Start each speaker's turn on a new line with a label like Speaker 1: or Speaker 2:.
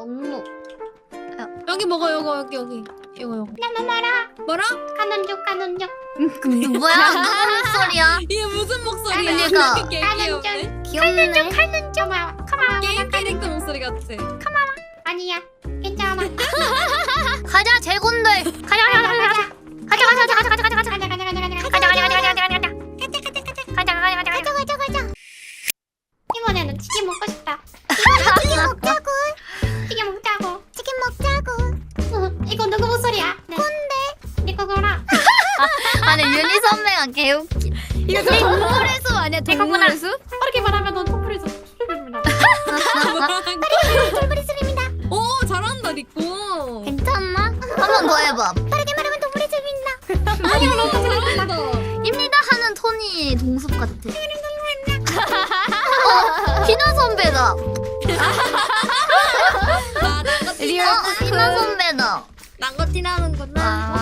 Speaker 1: 없노.
Speaker 2: 여기 먹어 여기 이거.
Speaker 1: 나나 마라.
Speaker 2: 뭐라?
Speaker 1: 가는 중 가는 중.
Speaker 3: 뭐야? 누구 목소리야?
Speaker 2: 이게 무슨 목소리야?
Speaker 3: 그러니까.
Speaker 2: 되게
Speaker 1: 가는
Speaker 2: 귀엽네.
Speaker 1: 중.
Speaker 3: 귀엽네.
Speaker 1: 가는 중. 가만.
Speaker 2: 게임 캐릭터 목소리 같아.
Speaker 1: 아니야. 괜찮아.
Speaker 3: 가자 제군들. 가자.
Speaker 1: 이번에는 치킨 먹고 싶다. 치킨 먹자고. 이거 누구 목소리야? 꼰대. 네 거구나.
Speaker 3: 아니 윤희 선배가 개웃기.
Speaker 4: 이거 동물의 숲 아니야? 동물의 숲?
Speaker 1: 그렇게 말하면 넌 토플에서 출입니다.
Speaker 2: 오 잘한다 리코.
Speaker 3: 괜찮나? 한 번 더 해봐.
Speaker 2: 잘한다.
Speaker 3: 입니다 하는 톤이 동숲 같아. 희나 선배다.
Speaker 2: 아 랑거티
Speaker 4: 리얼
Speaker 3: 희나 선배다.
Speaker 2: 랑거티 나는구나.